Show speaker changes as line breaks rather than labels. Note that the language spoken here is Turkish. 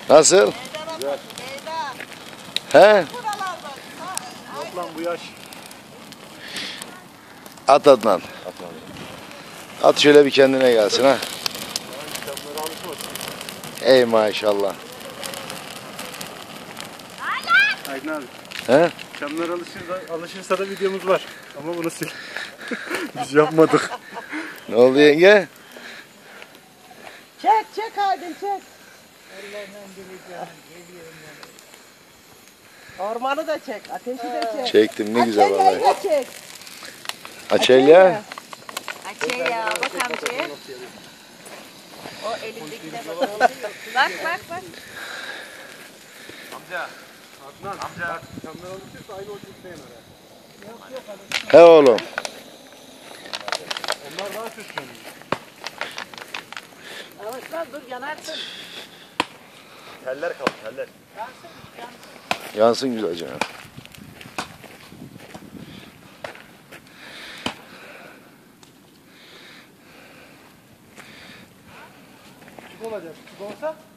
Nasıl?
Güzel.
He?
Yok lan bu yaş.
At Adnan. At şöyle bir kendine gelsin ha.
Çamlara alışmasın.
Ey maşallah.
Aydın abi.
He?
Çamlar alışırsa da videomuz var. Ama bunu sil. Biz yapmadık.
Ne oldu yenge?
Çek Aydın çek. Ormanı da çek, ateşi de çek.
Çektim ne güzel
Açelya'yı
vallahi.
da çek.
Açelya.
Açelya bak amcaya. O elindekine bak. Bak.
Amca. Çamlar alışırsa aynı ölçüde yener.
He oğlum.
Onlar daha süsleniyor.
Yavaşlan dur yanarsın.
Teller kaldı teller.
Yansın güzelce.
Küçük olacak. Küçük olsa